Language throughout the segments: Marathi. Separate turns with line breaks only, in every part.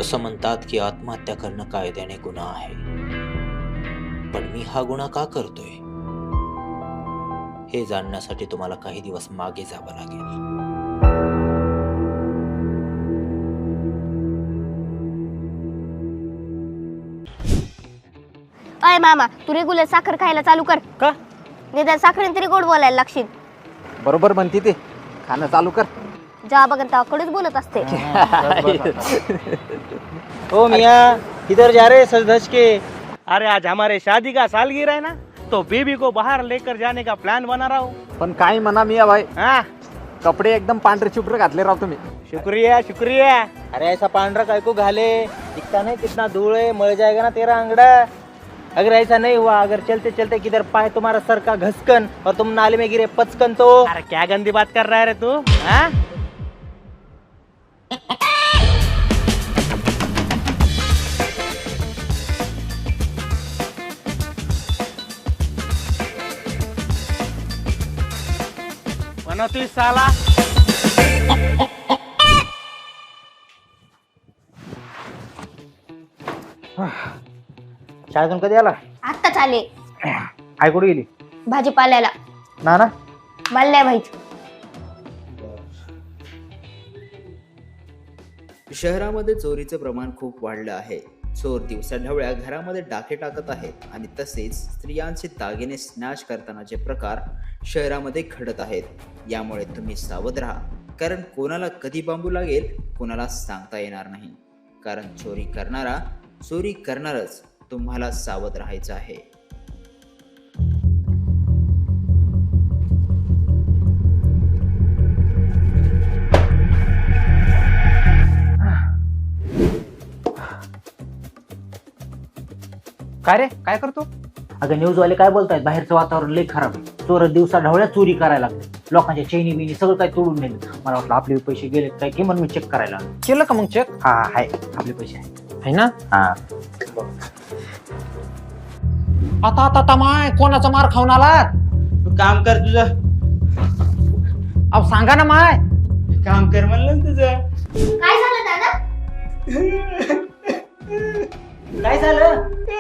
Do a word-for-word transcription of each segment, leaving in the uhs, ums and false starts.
असं म्हणतात की आत्महत्या करणं कायद्याने गुन्हा आहे, पण मी हा गुन्हा का करतोय हे जाणण्यासाठी तुम्हाला काही दिवस मागे जावं लागेल.
अय मामा, तू रेग्युलर साखर खायला चालू कर.
का?
निदान साखरेने तरी गोड बोलायला लागशील.
बरोबर म्हणते ते, खाणं चालू कर.
जेव्हा बघन तेव्हा कडूच बोलत असते.
ओ मियाँ, किधर जा रहे सज धज के? अरे आज हमारे शादी का सालगिरह है ना, तो बेबी को बाहर लेकर जाने का प्लान बना रहा हूँ.
पण काय म्हणा मिया भाई,
हाँ,
कपडे एकदम पांढरे शुभ्र घातले राव तुम्ही.
शुक्रिया शुक्रिया. अरे ऐसा पांडरा काय को घाले, दिखता नहीं कितना धूल है, मर जाएगा ना तेरा अंगड़ा. अगर ऐसा नहीं हुआ, अगर चलते चलते किधर पाए तुम्हारा सर का घसकन और तुम नाले में गिरे पचकन तो. अरे क्या गंदी बात कर रहा है रे तू? हाँ? मनोती साला. शाळेतून कधी आला?
आत्ताच आले
आई कुठे गेली?
भाजीपाल्याला.
ना ना
मला नाही माहित.
शहरामध्ये चोरीचे प्रमाण खूप वाढलं आहे. चोर दिवसाढवळ्या घरामध्ये डाके टाकत आहेत आणि तसेच स्त्रियांचे दागिने स्नॅच करतानाचे प्रकार शहरामध्ये घडत आहेत. यामुळे तुम्ही सावध राहा, कारण कोणाला कधी बांबू लागेल कोणाला सांगता येणार नाही. कारण चोरी करणारा चोरी करणारच, तुम्हाला सावध राहायचं आहे.
काय रे, काय करतो?
अगं न्यूजवाले काय बोलतायत, बाहेरचं वातावरण लय खराब आहे. चोर दिवसा ढवळ्या चोरी करायला लागले, लोकांच्या चैनी बिनी सगळं काय तोडून नेलं. मला वाटलं आपले पैसे गेले काय की, म्हणून मी चेक करायला आलो.
केलं का मग चेक?
हा आहे, आपले पैसे आहे.
है ना?
हा
आता आता आता माय कोणाचा मार खाऊन आलात?
तू काम कर तुझं.
अहो सांगा ना माय.
काम कर म्हणलं ना तुझं.
काय झालं दादा?
काय झालं?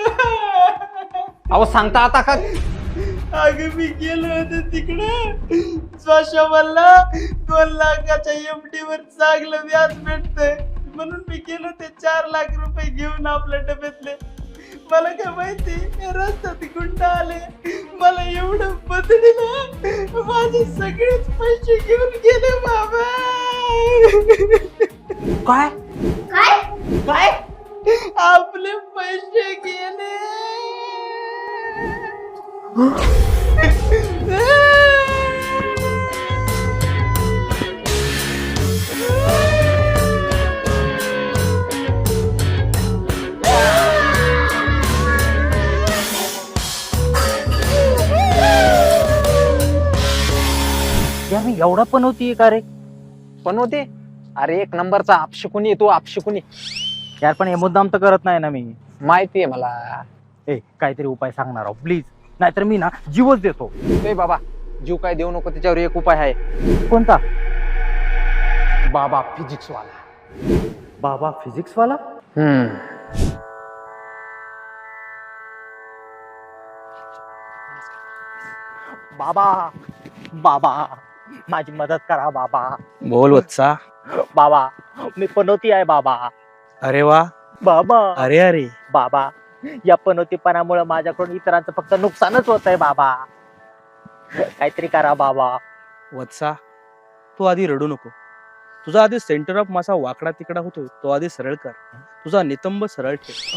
अहो सांगता आता का?
अगं मी गेलो होतो तिकडे, स्वाशा मला दोन लाखाच्या एफडी वर चांगलं व्याज भेटतंय म्हणून मी गेलो ते चार लाख रुपये घेऊन आपल्या डब्यातले. मला काय माहिती रस्त्यात गुंड आले, मला एवढं बदललं, माझे सगळेच पैसे घेऊन गेले बाबा.
काय
काय?
काय? आपले पैसे गेले.
यार मी एवढा पण होती का रे?
पण होते? अरे एक नंबरचा आपशिकुनी येतो, आपशिकुनी.
यार पण हे मुद्दाम तर करत नाही ना मी.
माहितीये मला.
ए काहीतरी उपाय सांगणार आहो प्लीज, नाहीतर मी ना जीवच देतो.
ए बाबा, जीव काय देऊ नको, त्याच्यावर एक उपाय आहे.
कोणता?
बाबा फिजिक्स वाला.
बाबा फिजिक्स वाला?
हम्म.
बाबा बाबा माझी मदत करा बाबा.
बोल वत्सा.
बाबा मी पनोती आहे बाबा.
अरे वा.
बाबा
अरे अरे
बाबा, या पनोतीपणामुळे माझ्याकडून इतरांचं फक्त नुकसानच होत आहे बाबा. काहीतरी करा बाबा.
वत्सा, तू आधी रडू नको. तुझा आधी सेंटर ऑफ मासा वाकडा तिकडा होतोय, तो आधी सरळ कर. तुझा नितंब सरळ ठेव.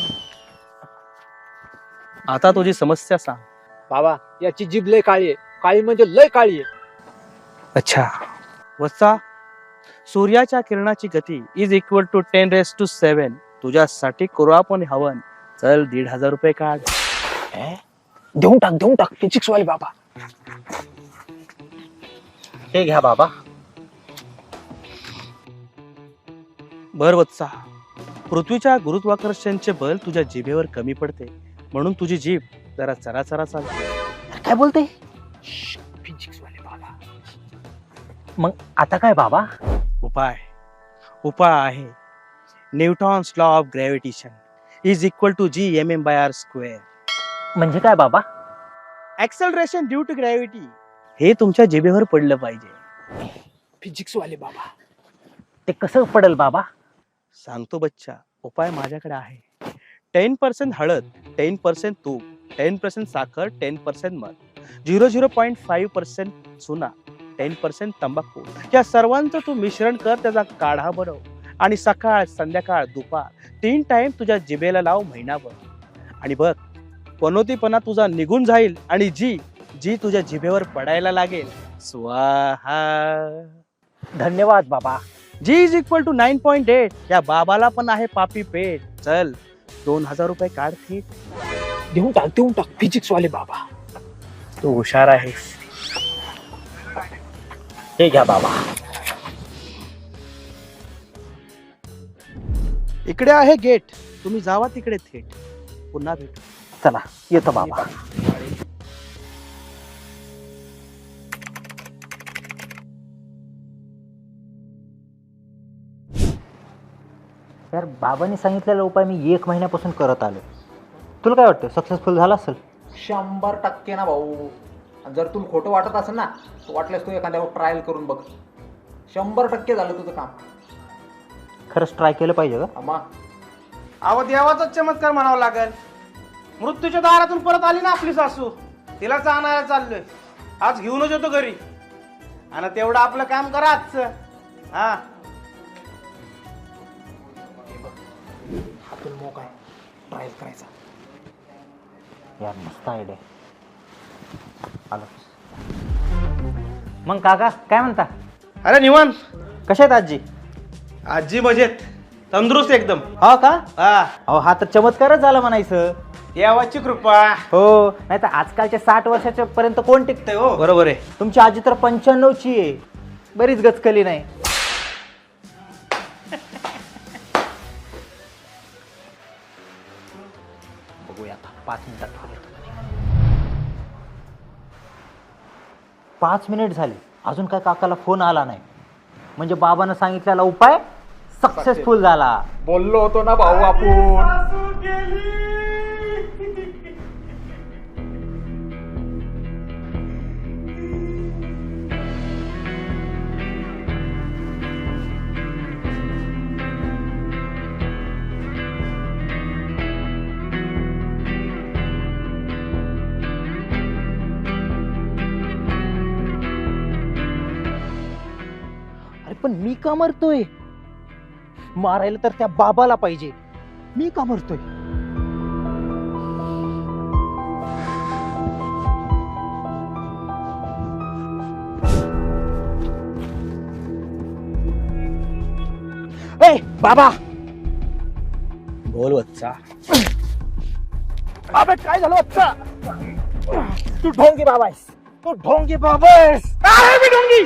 आता तुझी समस्या सांग.
बाबा याची जीभ लय काळी आहे, काळी म्हणजे लय काळी आहे.
अच्छा वत्सा, सूर्याच्या किरणाची गती is equal to ten raise to seven. तुझ्यासाठी करू आपण हवन. चल दीड हजार रुपये काढ.
देऊन टाक, देऊन टाक. फिजिक्स वाले बाबा.
हे घ्या बाबा.
बर वत्सा, पृथ्वीच्या गुरुत्वाकर्षणचे बल तुझ्या जिभेवर कमी पडते, म्हणून तुझी जीभ जरा चरा चरा चालते.
काय बोलते?
फिजिक्स वाले बाबा.
मग आता काय बाबा?
उपाय उपाय आहे. Newton's law of gravitation is equal to G M M by R square.
म्हणजे काय बाबा?
Acceleration due to gravity. हे तुमच्या जिभेवर पडलं पाहिजे. फिजिक्स वाले बाबा.
ते कसं पडेल बाबा?
सांगतो बच्चा, उपाय माझ्याकडे आहे. टेन पर्सेंट हळद, टेन पर्सेंट तूप, टेन पर्सेंट साखर, टेन पर्सेंट मध, zero zero point five percent चुना, टेन पर्सेंट तंबाखू, या सर्वांचं तू मिश्रण कर, त्याचा काढा बनव आणि सकाळ संध्याकाळ दुपार तीन टाइम तुझ्या जिभेला लाव महिनाभर. आणि बघ, पनोतीपणा तुझा निघून जाईल आणि जी जी तुझ्या जिभेवर पडायला लागेल, स्वाहा.
धन्यवाद बाबा.
G is equal to nine point eight. या बाबाला पण आहे पापी पेट. चल दोन हजार रुपये काढ थेट.
देऊन टाक देऊन टाक फिजिक्स वाले बाबा.
तू हुशार आहेस.
हे घ्या बाबा.
इकडे आहे गेट, तुम्ही जावा तिकडे थेट. पुन्हा भेटू.
चला येतो बाबा. यार बाबांनी सांगितलेला उपाय मी एक महिन्यापासून करत आलो. तुला काय वाटतं, सक्सेसफुल झाला असेल?
शंभर टक्के ना भाऊ. आणि जर तुला खोटं वाटत असेल ना, तर वाटल्यास तू एखाद्यावर ट्रायल करून बघ. शंभर टक्के झालं तुझं काम.
खरंच ट्राय केलं पाहिजे का?
अम्मा
अहो देवाचाच चमत्कार म्हणावं लागेल. मृत्यूच्या दारातून परत आली ना आपली सासू, तिला आणायला चाललोय. आज घेऊनच येतो घरी आणि तेवढं आपलं काम करा आजचं. हा
हातून मोक आहे, ट्रायल करायचा.
यार मस्त आयडिया. आलो. मग काका काय म्हणता?
अरे निवांत.
कशा आहेत आजी?
आजी मजेत, तंदुरुस्त एकदम.
हा का?
हा
अहो हा तर चमत्कारच झाला म्हणायचं.
देवाची कृपा.
हो, नाही तर आजकालच्या साठ वर्षाच्या पर्यंत कोण टिकतंय हो.
बरोबर आहे.
तुमची आजी तर पंच्याण्णवची आहे. बरीच गचकली नाही. बघूया आता पाच मिनिटात येतो. पाच मिनिट झाले, अजून काय काकाला फोन आला नाही. म्हणजे बाबानं सांगितलेला उपाय सक्सेसफुल झाला.
बोललो होतो ना भाऊ आपण.
सासू गेली.
अरे पण मी का मरतोय? मारायला तर त्या बाबाला पाहिजे. मी का मरतोय? ए बाबा.
बोल बच्चा.
अबे काय झालं बच्चा? तू ढोंगी बाबा आहेस. तू ढोंगी बाबा आहेस.
आहे मी ढोंगी.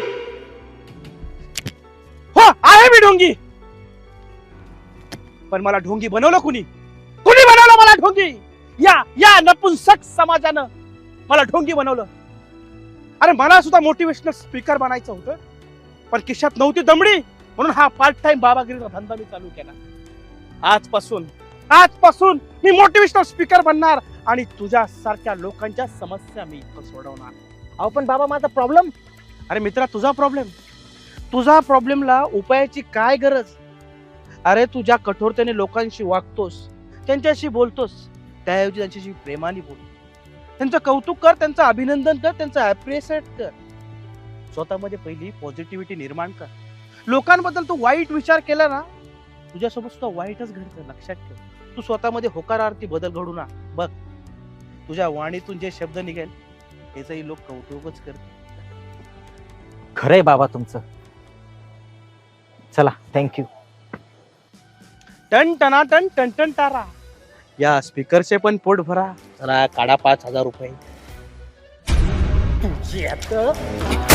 हो आहे मी ढोंगी. पण मला ढोंगी बनवलं कुणी? कुणी बनवलं मला ढोंगी? या या नपुंसक समाजानं मला ढोंगी बनवलं. अरे मला सुद्धा मोटिवेशनल स्पीकर बनायचं होतं, पण खिशात नव्हती दमडी, म्हणून हा पार्ट टाइम बाबागिरीचा धंदा मी चालू केला. आजपासून आजपासून मी मोटिवेशनल स्पीकर बनणार आणि तुझ्या सारख्या लोकांच्या समस्या मी इथं सोडवणार.
अहो पण बाबा माझा प्रॉब्लेम.
अरे मित्रा, तुझा प्रॉब्लेम तुझा प्रॉब्लेमला उपायाची काय गरज? अरे तुझ्या कठोरतेने लोकांशी वागतोस, त्यांच्याशी बोलतोस, त्याऐवजी त्यांच्याशी प्रेमाने बोल. त्यांचं कौतुक कर, त्यांचं अभिनंदन कर, त्यांचं अप्रिशिएट कर. स्वतःमध्ये पहिली पॉझिटिव्हिटी निर्माण कर. लोकांबद्दल तू वाईट विचार केला ना, तुझ्यासोबत सुद्धा वाईटच घडतं. लक्षात ठेव. तू स्वतःमध्ये होकारार्थी बदल घडू ना. बघ, तुझ्या वाणीतून जे शब्द निघेल त्याचंही लोक कौतुकच करतील.
खरंय बाबा तुमचं. चला थँक्यू.
टन टना टन टन टन तारा. या स्पीकरचे पण पोट भरा. चला काढा पाच हजार रुपये.
तुझी आता